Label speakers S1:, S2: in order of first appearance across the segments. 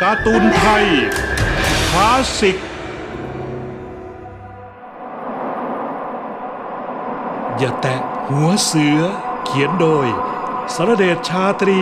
S1: การ์ตูนไทยคลาสสิกอย่าแตะหัวเสือเขียนโดยสรเดชชาตรี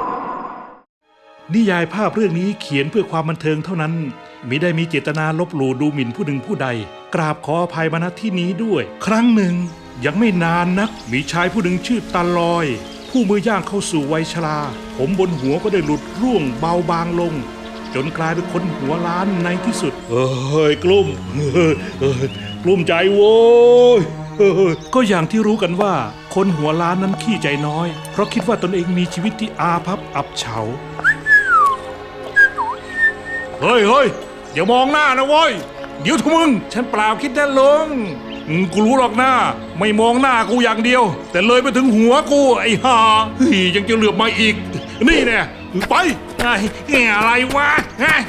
S1: นิยายภาพเรื่องนี้เขียนเพื่อความบันเทิงเท่านั้นมิได้มีเจตนาลบหลู่ดูหมิ่นผู้หนึ่งผู้ใดกราบขออภัยมาณที่นี้ด้วยครั้งหนึ่งยังไม่นานนักมีชายผู้หนึ่งชื่อตาลอยผู้มือย่างเข้าสู่วัยชราผมบนหัวก็ได้หลุดร่วงเบาบางลงจนกลายเป็นคนหัวล้านในที่สุดกลุ้มกลุ้มใจโว้ยก็อย่างที่รู้กันว่าคนหัวล้านนั้นขี้ใจน้อยเพราะคิดว่าตนเองมีชีวิตที่อาภัพอับเฉาเฮ้ยอย่ามองหน้านะเว้ยเดี๋ยวทุกมึงฉันเปล่าคิดนะลุงกูรู้หรอกหน้าไม่มองหน้ากูอย่างเดียวแต่เลยไปถึงหัวกูไอ้ห่ายังจะเหลือบมาอีกนี่แน่ไปอะไรวะ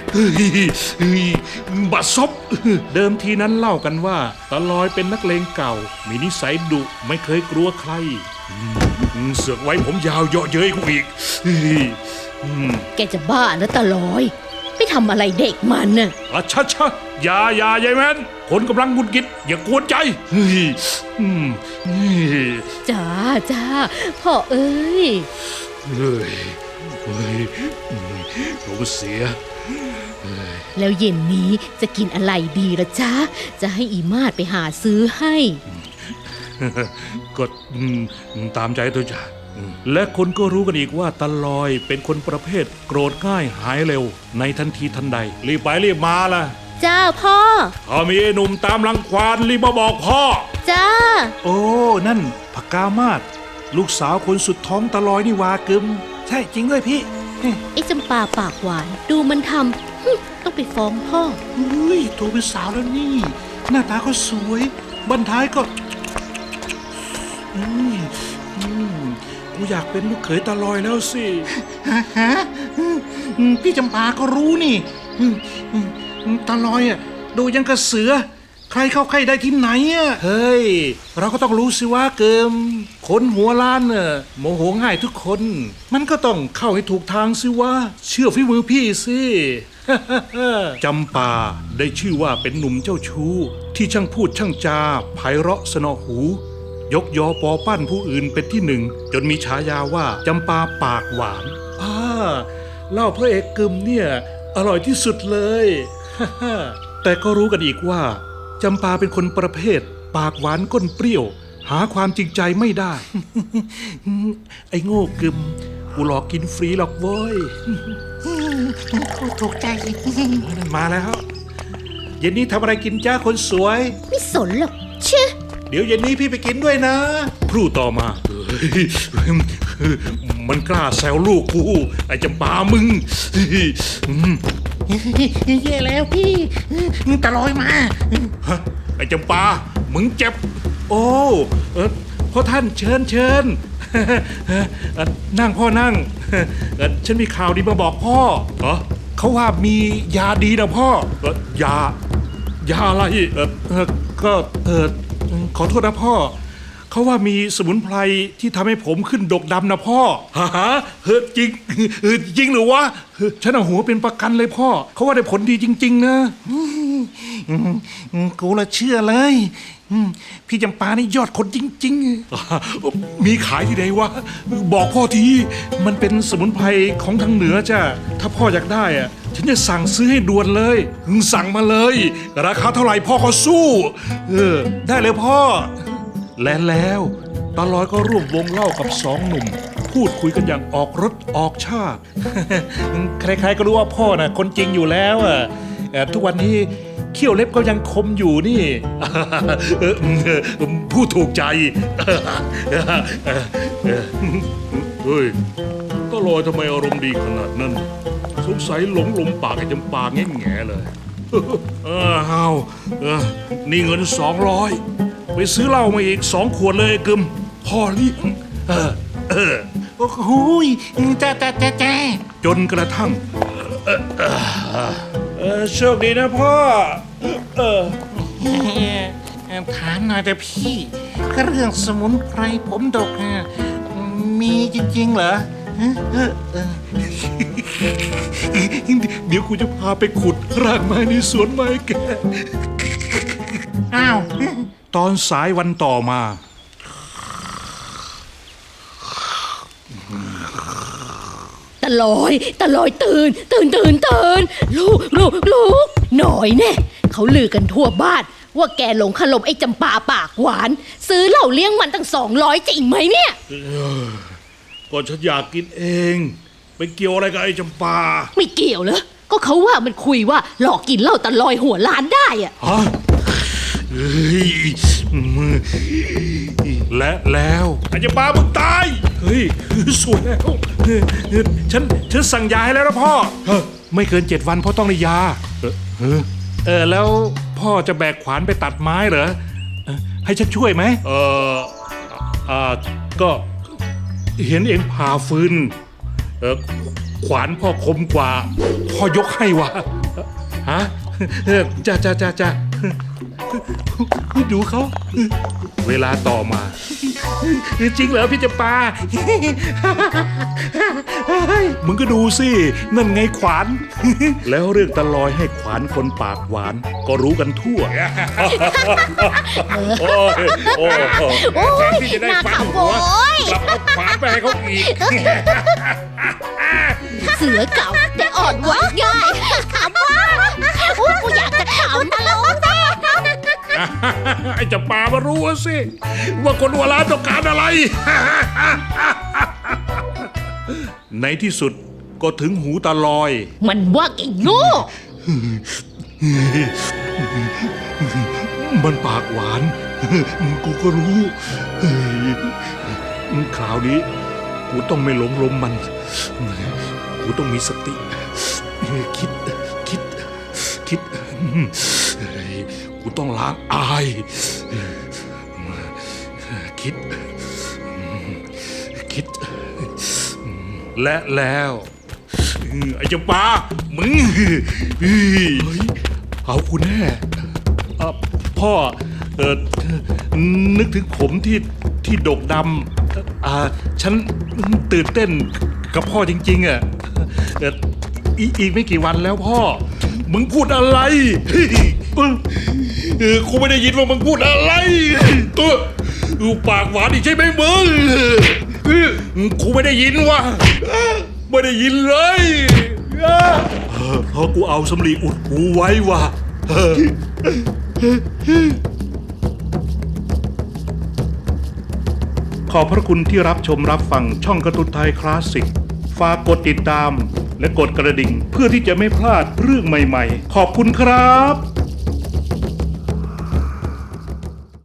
S1: บัดซบเดิมทีนั้นเล่ากันว่าตาลอยเป็นนักเลงเก่ามีนิสัยดุไม่เคยกลัวใครเสือกไว้ผมยาวเยาะเย้ยกูอีก
S2: แกจะบ้านะตาลอยไปทำอะไรเด็กมันน่ะ
S1: ชัดอย่ายายแมนคนกำลังหงุดหงิดอย่ากวนใจ
S2: จ้าพ่อเอ้ย
S1: ผมเสีย
S2: แล้วเย็นนี้จะกินอะไรดีล่ะจ๊ะจะให้อีมาดไปหาซื้อให้
S1: ก็ตามใจตัวจ้ะและคนก็รู้กันอีกว่าตาลอยเป็นคนประเภทโกรธง่ายหายเร็วในทันทีทันใดรีบไปรีบมาล่ะ
S2: จ้าพ่อ
S1: ถ้ามีไอ้หนุ่มตามรังควานรีบมาบอกพ่อ
S2: จ้า
S1: โอ้นั่นพกามาศลูกสาวคนสุดท้องตาลอยนี่วากึมใช่จริงด้วยพี่
S2: ไอ้จำปาปากหวานดูมันทำต้องไปฟ้องพ่อ
S1: โตเป็นสาวแล้วนี่หน้าตาก็สวยบั้นท้ายก็กูอยากเป็นลูกเขยตาลอยแล้วสิ
S3: ฮะพี่จำปาก็รู้นี่ตาลอยดูยังกระเสือใครเข้าใครได้ที่ไหน
S1: เฮ้ยเราก็ต้องรู้สิว่าเกิมคนหัวล้านโมโหง่ายทุกคนมันก็ต้องเข้าให้ถูกทางสิว่าเชื่อฝีมือพี่สิจำปาได้ชื่อว่าเป็นหนุ่มเจ้าชู้ที่ช่างพูดช่างจาไพเราะสนอหูยกยอปอปั้นผู้อื่นเป็นที่หนึ่งจนมีฉายาว่าจำปาปากหวานเล่าพระเอกกึมเนี่ยอร่อยที่สุดเลยแต่ก็รู้กันอีกว่าจำปาเป็นคนประเภทปากหวานก้นเปรี้ยวหาความจริงใจไม่ได้ ไอ้โง่กึมกูหลอกกินฟรีหรอกเว้ย
S3: ถูกใจ
S1: มาแล้วเย็นนี้ทำอะไรกินจ้าคนสวย
S2: ไม่สนหรอกเชื่อ
S1: เดี๋ยวเย็นนี้พี่ไปกินด้วยนะครู่ต่อมามันกล้าแซวลูกกูไอ้จำปามึง
S3: แย่แล้วพี่ตาลอยมา
S1: ไอ้จำปามึงเจ็บโอ้พ่อท่านเชิญนั่งพ่อนั่งฉันมีข่าวดีมาบอกพ่อเขาว่ามียาดีนะพ่อยาอะไรก็ขอโทษนะพ่อเขาว่ามีสมุนไพรที่ทำให้ผมขึ้นดกดำนะพ่อจริงหรือวะฉันเอาหัวเป็นประกันเลยพ่อเขาว่าได้ผลดีจริงๆนะ
S3: กูละเชื่อเลยพี่จำปานี่ยอดคนจริง
S1: ๆมีขายที่ไหนวะบอกพ่อทีมันเป็นสมุนไพรของทางเหนือจ้ะถ้าพ่ออยากได้ฉันจะสั่งซื้อให้ด่วนเลยสั่งมาเลยราคาเท่าไหร่พ่อก็สู้ได้เลยพ่อและแล้วตาลอยก็ร่วมวงเล่ากับสองหนุ่มพูดคุยกันอย่างออกรสออกชาติใครๆก็รู้ว่าพ่อน่ะคนจริงอยู่แล้วทุกวันนี้เขี้ยวเล็บก็ยังคมอยู่นี่พูดถูกใจเฮ้ยตาลอยทำไมอารมณ์ดีขนาดนั้นสงสัยหลงลมปากไอ้จำปาแง่ๆเลยนี่เงิน200ไปซื้อเหล้ามาอีก2 ขวดเลยกึมพ่อเลี้ยง
S3: โอ้โหแจ๊
S1: จนกระทั่งโชคดีนะพ่อ
S3: ถามหน่อยแต่พี่เรื่องสมุนไพรผมดกมีจริงๆเหรอ
S1: เดี๋ยวกูจะพาไปขุดรากไม้ในสวนไม้แก
S3: อ้าว
S1: ตอนสายวันต่อมา
S2: ตะลอยตื่นลูกหน่อยแน่เขาลือกันทั่วบ้านว่าแกหลงขลมไอ้จำปาปากหวาน ซื้อเหล้าเลี้ยงมันตั้ง200จริงไหมเนี่ย
S1: ก็ฉันอยากกินเองไปเกี่ยวอะไรกับไอ้จำปา
S2: ไม่เกี่ยวเหรอก็เขาว่ามันคุยว่าหลอกกินเหล้าตะลอยหัวล้านได้อะ
S1: ฮะเฮ้ยและแล้วไอ้เจ้าปลามึงตายเฮ้ยสวยแล้วฉันสั่งยาให้แล้วนะพ่อไม่เกิน7 วันพ่อต้องได้ยาแล้วพ่อจะแบกขวานไปตัดไม้เหรอให้ฉันช่วยไหมก็เห็นเองผ่าฟืนขวานพ่อคมกว่าพ่อยกให้วะฮะจ้าดูเขาเวลาต่อมาจริงเหรอพี่จำปามึงก็ดูสินั่นไงขวานแล้วเรื่องตะลอยให้ขวานคนปากหวานก็รู้กันทั่วโอ้ยแทนที่จะได้ฟันหัวกลับเอาขวานไปให้เขาอีก
S2: เสือเก่าแต่อ่อนไหวง่ายขำว่ากูอยากจะขำตะลงแน่
S1: ไอ้จะปามารู้สิว่าคนหัวล้านต้องการอะไร ในที่สุดก็ถึงหูตาลอย
S2: มันว่าแกโง่
S1: มันปากหวาน กูก็รู้คราวนี้กูต้องไม่หลงลมมันกูต้องมีสติคิดกูต้องล้างอายคิดและแล้วไอ้เจ้าปลามึงเฮ้ยเอากูแน่พ่อนึกถึงผมที่ดกดำฉันตื่นเต้นกับพ่อจริงๆอ่ะอีกไม่กี่วันแล้วพ่อมึงพูดอะไรกูไม่ได้ยินว่ามึงพูดอะไรตัวปากหวานอีกใช่ไหมมึงกูไม่ได้ยินว่ะไม่ได้ยินเลยเพราะกูเอาสำลีอุดหูไว้ว่ะขอบพระคุณที่รับชมรับฟังช่องการ์ตูนไทยคลาสสิกฝากกดติดตามและกดกระดิ่งเพื่อที่จะไม่พลาดเรื่องใหม่ๆขอบคุณครับ